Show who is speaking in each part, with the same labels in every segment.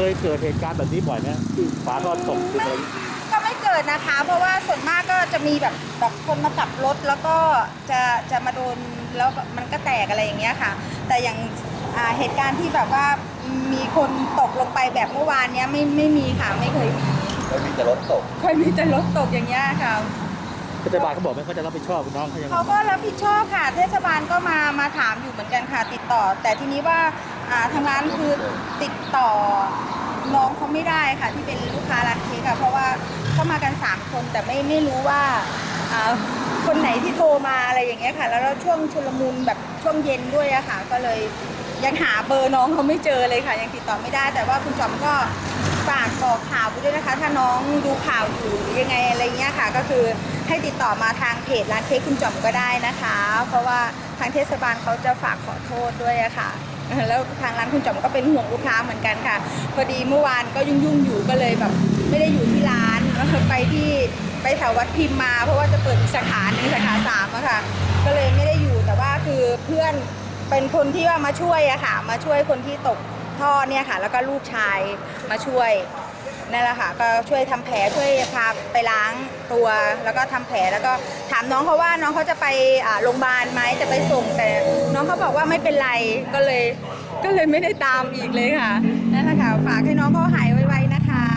Speaker 1: ยเกิดเหตุการณ์แบบนี้บ่อยไหมที่ฝาท่อตกอะไร
Speaker 2: ก็ไม่เกิดนะคะ เพราะว่าส่วนมากก็จะมีแบบคนมาขับรถแล้วก็จะมาโดนแล้วมันก็แตกอะไรอย่างเงี้ยค่ะแต่อย่างเหตุการณ์ที่แบบว่ามีคนตกลงไปแบบเมื่อวานเนี้ยไม่มีค่ะไม่เคยมี
Speaker 3: มีแต่รถตก
Speaker 2: เคยมีแต่รถตกอย่างเงี้ยค่ะ
Speaker 1: เทศบาลเขาบอกไหมเขาจะรับผิดชอบน้องเขายังไง
Speaker 2: เขาก็รับผิดชอบค่ะเทศบาลก็มาถามอยู่เหมือนกันค่ะติดต่อแต่ทีนี้ว่าทางร้านคือติดต่อน้องเขาไม่ได้ค่ะที่เป็นลูกค้าร้านเค้กค่ะเพราะว่าเข้ามากัน3คนแต่ไม่รู้ว่าคนไหนที่โทรมาอะไรอย่างเงี้ยค่ะแล้วช่วงชุลมุนแบบช่วงเย็นด้วยอะค่ะก็เลยยังหาเบอร์น้องเขาไม่เจอเลยค่ะยังติดต่อไม่ได้แต่ว่าคุณจอมก็ฝากบอกข่าวไปด้วยนะคะถ้าน้องดูข่าวอยู่หรือยังไงอะไรเงี้ยค่ะก็คือให้ติดต่อมาทางเพจร้านเค้กคุณจอมก็ได้นะคะเพราะว่าทางเทศบาลเขาจะฝากขอโทษด้วยอะค่ะแล้วทางร้านคุณจอมก็เป็นห่วงลูกค้าเหมือนกันค่ะพอดีเมื่อวานก็ยุ่งอยู่ก็เลยแบบไม่ได้อยู่ที่ร้านไปแถววัดพิมพ์มาเพราะว่าจะเปิดอีกสาขาหนึ่งสาขา3อะค่ะก็เลยไม่ได้อยู่แต่ว่าคือเพื่อนเป็นคนที่ว่ามาช่วยอะค่ะมาช่วยคนที่ตกท่อเนี่ยค่ะแล้วก็ลูกชายมาช่วยนั่นแหละค่ะก็ช่วยทำแผลช่วยพาไปล้างตัวแล้วก็ทำแผลแล้วก็ถามน้องเขาว่าน้องเขาจะไปโรงพยาบาลไหมจะไปส่งแต่น้องเขาบอกว่าไม่เป็นไรก็เลยไม่ได้ตามอีกเลยค่ะนั่นแหละค่ะฝากให้น้องเขาหายไวๆนะคะ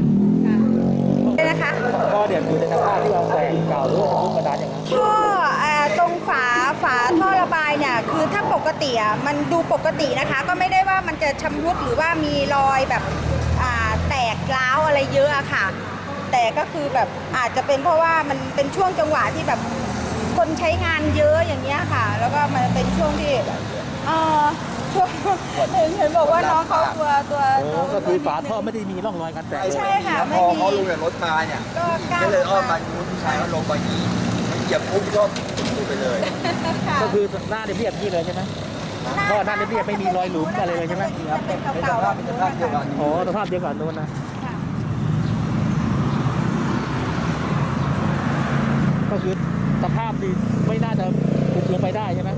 Speaker 2: นะคะ
Speaker 1: ก็เดี๋ยวอยู่ในสภาพที่เราแตกเก่าหรือว่าทุกกระดานอย่างนั้น
Speaker 2: ท่อตรงฝาท่อระบายเนี่ยคือถ้าปกติมันดูปกตินะคะก็ไม่ได้ว่ามันจะชำรุดหรือว่ามีรอยแบบแตกร้าวอะไรเยอะอะค่ะแต่ก็คือแบบอาจจะเป็นเพราะว่ามันเป็นช่วงจังหวะที่แบบคนใช้งานเยอะอย่างเงี้ยค่ะแล้วก็มันเป็นช่วงที่ช่วงเห็นบอกว่าน้องเขาตัว
Speaker 1: ก็คือฝาท่อไม่ได้มีร่องรอยการแตก
Speaker 2: ใช่ค่ะ
Speaker 3: พอเขาลงจากรถมาเนี่ยก็เลยอ้อมมาผู้ชายเขาลงไปนี้มันเหยียบปุ๊บก็ไปเลย
Speaker 1: ก็คือหน้าเรียบๆนี่เลยใช่ไหมท่อหน้าเรียบๆไม่มีรอยหลุมอะไรเลยใช่ไหม
Speaker 2: เป็นเก่าๆ
Speaker 3: เป็นสภาพเดียวกัน
Speaker 1: อ๋อสภาพเดียวกันนู้นนะก็คือสภาพดีไม่น่าจะขุดลงไปได้ใช่ไหม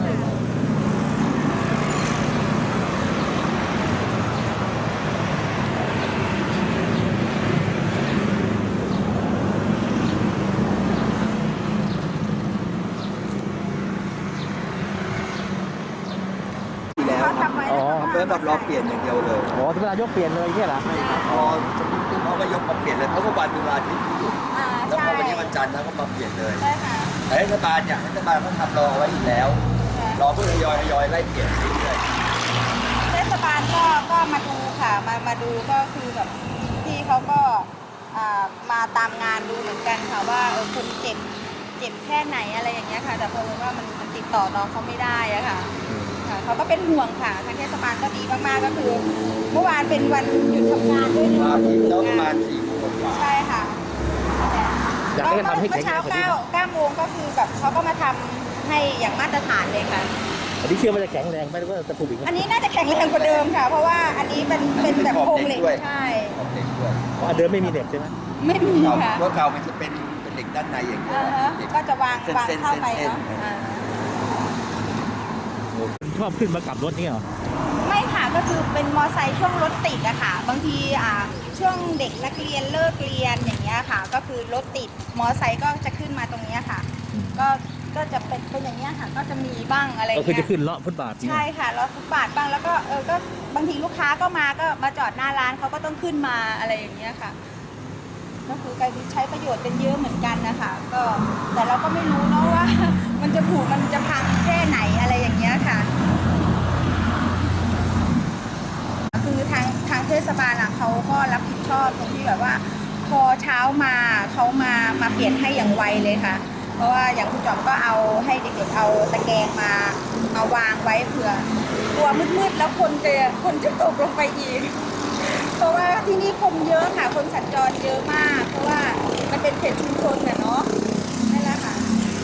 Speaker 3: เริ่มแบบรอเปลี่ยนอย่างเดียวเลย
Speaker 1: อ๋อที่เวลายกเปลี่ยนเลยเนี่ยเหรอ
Speaker 3: พอเขาก็ยกมาเปลี่ยนเลยเขาก็วันเวลาที่อยู่แล้วพอวันนี้วันจันทร์เขาก็มาเปลี่ยนเลยแต่เทศบาลเนี่ยเทศบาลเขาทำรอไว้อยู่แล้วรอเพื่อทยอยไล่เปลี่ยนเรื่อย
Speaker 2: ๆเทศบาลก็มาดูค่ะมาดูก็คือแบบที่เขาก็มาตามงานดูเหมือนกันค่ะว่าคนเจ็บแค่ไหนอะไรอย่างเงี้ยค่ะแต่เพราะว่ามันติดต่อน้องเขาไม่ได้อะค่ะเขาก็เป็นห่วงค่ะทางเทศบาลก็ดีมากๆก็คือเมื่อวานเป็นวันหยุดทำงานด้วย
Speaker 3: มาที่แล้วประมาณ4 โมงกว่า
Speaker 2: ใช่ค่ะ
Speaker 1: อยากให้ทำให้แข็งแรงกว่านี้
Speaker 2: 9 โมงก็คือแบบเขาก็มาทำให้อย่างมาตรฐานเลยค่ะ
Speaker 1: อันนี้เชื่อว่าจะแข็งแรงไหมหรือว่าจะถูกอีก
Speaker 2: อันนี้น่าจะแข็งแรงกว่าเดิมค่ะเพราะว่าอันนี้เป็นแบบโครงเหล็กใช่
Speaker 1: เพราะอันเดิมไม่มีเหล็กใช่ไหม
Speaker 2: ไม่มีค่ะ
Speaker 3: เพราะเก่ามันจะเป็นเหล็กด้านในอย่างเดียว
Speaker 2: ก็จะวางเข้าไปเนาะ
Speaker 1: ชอบขึ้นมากับรถนี่เหรอ
Speaker 2: ไม่ค่ะก็คือเป็นมอไซค์ช่วงรถติดอะค่ะบางทีช่วงเด็กนักเรียนเลิกเรียนอย่างเงี้ยค่ะก็คือรถติดมอไซค์ก็จะขึ้นมาตรงนี้ค่ะก็จะเป็นอย่างเงี้ยค่ะก็จะมีบ้างอะไรเงี้ย
Speaker 1: ก็คือจะขึ้นเลาะฟุตบาท
Speaker 2: ใช่ค่ะเลาะฟุตบาทบ้างแล้วก็ก็บางทีลูกค้าก็มาจอดหน้าร้านเขาก็ต้องขึ้นมาอะไรอย่างเงี้ยค่ะก็คือการใช้ประโยชน์เป็นเยอะเหมือนกันนะคะก็แต่เราก็ไม่รู้เนาะว่ามันจะผุมันจะพังแค่ไหนอะไรอย่างเงี้ยค่ะคือทางเทศบาลเขาก็รับผิดชอบตรงที่แบบว่าพอเช้ามาเขามาเปลี่ยนให้อย่างไวเลยค่ะเพราะว่าอย่างคุณจอมก็เอาให้เด็กๆเอาตะแกรงมาวางไว้เผื่อกลัวมืดๆแล้วคนจะตกลงไปอีกเพราะว่าที่นี่คนเยอะค่ะคนสัญจรเยอะมากเพราะว่ามันเป็นเขตชุมชนเนาะนั่นแหละค่ะ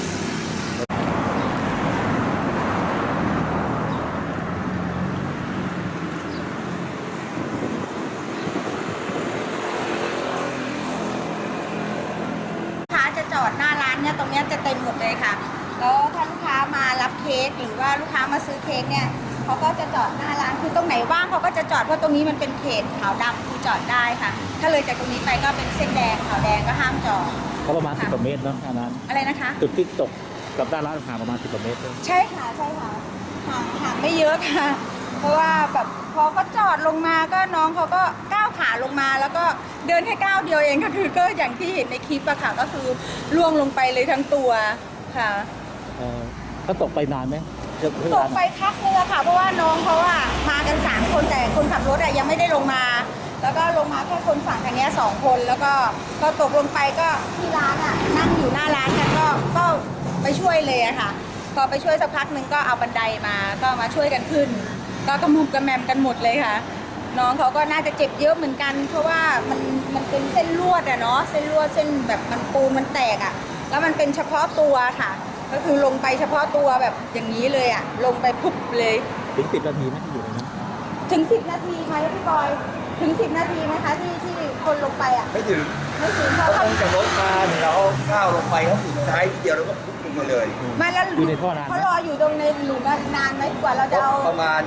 Speaker 2: จะจอดหน้าร้านเนี่ยตรงนี้จะเต็มหมดเลยค่ะแล้วถ้าลูกค้ามารับเค้กหรือว่าลูกค้ามาซื้อเค้กเนี่ยเขาก็จะจอดหน้าร้านคือตรงไหนว่างเขาก็จะจอดเพราะตรงนี้มันเป็นเขตขาวดำคือจอดได้ค่ะ ถ้าเลยจากตรงนี้ไปก็เป็นเส้นแดงขาวแดงก็ห้ามจอด
Speaker 1: ก็ประมาณ10 กว่าเมตรเนาะอันนั้น
Speaker 2: อะไรนะคะ
Speaker 1: จุดที่ตกกับด้านร้านห่างประมาณ10 กว่าเมตรเลย
Speaker 2: ใช่ค่ะใช่ค่ะห่างไม่เยอะค่ะ เพราะว่าแบบพอเขาจอดลงมาก็น้องเขาก็ก้าวขาลงมาแล้วก็เดินแค่ก้าวเดียวเองก็คือก็อย่างที่เห็นในคลิปอะค่ะก็คือล่วงลงไปเลยทั้งตัวค่ะ
Speaker 1: เขาตกไปนานไหม
Speaker 2: ตกไปพักนึงอะค่ะเพราะว่าน้องเขาอะมากัน3 คนแต่คนขับรถอะยังไม่ได้ลงมา แล้วก็ลงมาแค่คนฝั่งทางเนี้ย2 คนแล้วก็พอตกลงไปก็ที่ร้านอะนั่งอยู่หน้าร้านกันก็ไปช่วยเลยอะค่ะพอไปช่วยสักพักนึงก็เอาบันไดมาก็มาช่วยกันขึ้น ก็กระมุมกระแมมกันหมดเลยค่ะ น้องเขาก็น่าจะเจ็บเยอะเหมือนกัน เพราะว่ามันเป็นเส้นลวดอะเนาะเส้นลวดเส้นแบบมันปูนมันแตกอะแล้วมันเป็นเฉพาะตัวค่ะ ก็คือลงไปเฉพาะตัวแบบอย่างนี้เลยอะลงไปปุ๊บเลย
Speaker 1: ถึง10 นาทีไหมที่อยู่ในนั้น
Speaker 2: ถึง10 นาทีไหมพี่บอยถึง10 นาทีไหมคะที่คนลงไปอะ
Speaker 3: ไม่ถึง
Speaker 2: ไม่ถึงเพราะ
Speaker 3: เขา
Speaker 2: ว่า
Speaker 3: ลงจากรถมาเนี่ยเราก้าวลงไปเขาถึงซ้ายทีเดียวแล้วก็พุ่งลงมาเลย
Speaker 2: ไม่แล้ว
Speaker 1: อยู่ในท่อนานไหม
Speaker 2: เขารออยู่ตรงในหลุมนานไหมกว่าเราจะเอา
Speaker 3: ประมาณ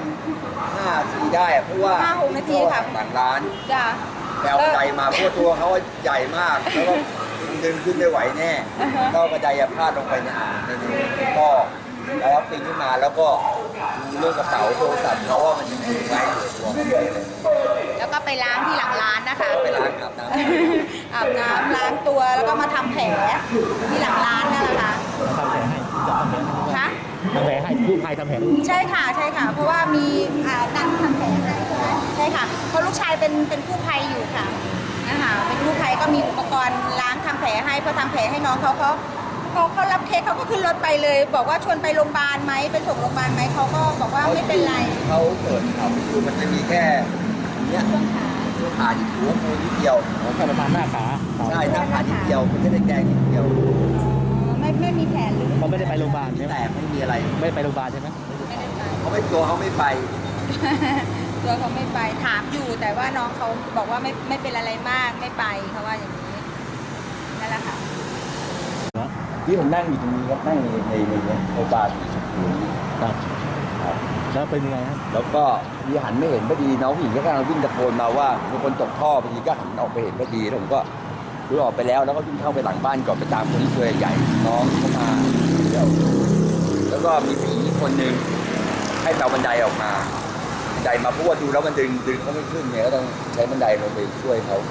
Speaker 3: 5 นาทีได้อะเพราะว่า
Speaker 2: 5-6 นาทีค่ะ
Speaker 3: หลังร้าน
Speaker 2: จ้ะ
Speaker 3: แปลวใจมาเพราะว่าตัวเขาใหญ่มากแล้วก็ดึงขึ้นไม่ไหวแน่
Speaker 2: อ่าฮะ
Speaker 3: ก็กระไดพลาดลงไปในอ่างในก็แล้วปีนขึ้นมาแล้วก็ดูเรื่องกระเป๋าโทรศัพท์เขาว่ามันยังถือไว้อยู่ตัวเขาเลย
Speaker 2: แล้วก็ไปล้างที่หลังร้านนะคะ
Speaker 3: ไปล้างอาบน้ำ
Speaker 2: อาบน้ำล้างตัวแล้วก็มาทำแผลที่หลังร้านนั่นแหละค่ะ
Speaker 1: ทำแผลให้จับทำแผลให้ด้วย
Speaker 2: คะ
Speaker 1: ทำแผลให้กู้ภัยทำแผลให้
Speaker 2: ใช่ค่ะใช่ค่ะ เพราะว่ามีนั่งทำแผลให้ใช่ไหมใช่ค่ะเพราะลูกชายเป็นกู้ภัยอยู่ค่ะนะคะเป็นกู้ภัยก็มีอุปกรณ์ล้างทำแผลให้พอทำแผลให้น้องเขารับเคสเขาก็ขึ้นรถไปเลย บอกว่าชวนไปโรงพยาบาลไหมไปส่งโรงพยาบาลไหมเขาก็บอกว่าไม่เป็นไร
Speaker 3: เขาเปิดข่าวคือมันจะมีแค่เนี้ย
Speaker 2: ช่วงขา
Speaker 3: ช่วงขาที่หัวมูนิดเดียว
Speaker 1: แค่ประมาณหน้าขา
Speaker 3: ใช่หน้าขานิดเดียวมันจะแดงๆนิดเดียว
Speaker 2: ไม่มีแผลหรือ
Speaker 1: เขาไม่ได้ไปโรงพยาบาลใช่ไหม
Speaker 3: แต่ไม่มีอะไร
Speaker 1: ไม่ได้ไปโรงพยาบาลใช่ไหม
Speaker 2: ไม่ได้ไป
Speaker 3: เขาไม่ตัวเขาไม่ไป
Speaker 2: ตัวเขาไม่ไปถามอยู่แต่ว่าน้องเขาบอกว่าไม่เป็นอะไรมากไม่ไปเขาว่าอย่างนี้นั่นแหละค่ะ
Speaker 3: ที่ผมนั่งอยู่ตรงนี้ครับนั่งในบาร์สีชมพู
Speaker 1: ครับแล้วเป็นยังไงครับ
Speaker 3: แล้วก็มีหันไม่เห็นพอดีน้องผู้หญิงก็กำลังวิ่งตะโกนมาว่ามีคนตกท่อพอดีก็หันออกไปเห็นพอดีแล้วผมก็รู้ออกไปแล้วก็วิ่งเข้าไปหลังบ้านก่อนไปตามคนที่ตัวใหญ่น้องเข้ามาเดี๋ยวแล้วก็มีผีคนหนึ่งให้เราบันไดออกมาบันไดมาเพราะว่าดูแล้วมันดึงเขาไม่ขึ้นเนี่ยก็ต้องใช้บันไดลงไปช่วยเขา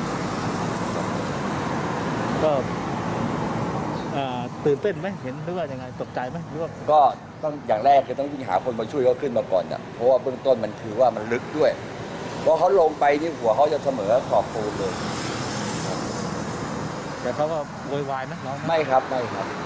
Speaker 1: ก็ตื่นเต้นไหมเห็นหรือว่ายังไงตกใจไหมหรือว่า
Speaker 3: ก็ต้องอย่างแรกคือต้องวิ่งหาคนมาช่วยเขาขึ้นมาก่อนอ่ะเพราะว่าเบื้องต้นมันคือว่ามันลึกด้วยเพราะเขาลงไปนี่หัวเขาจะเสมอขอบปูนเลย
Speaker 1: แต่เขาก็โวยวายไหมน้อง
Speaker 3: ไม่ครับไม่ครับ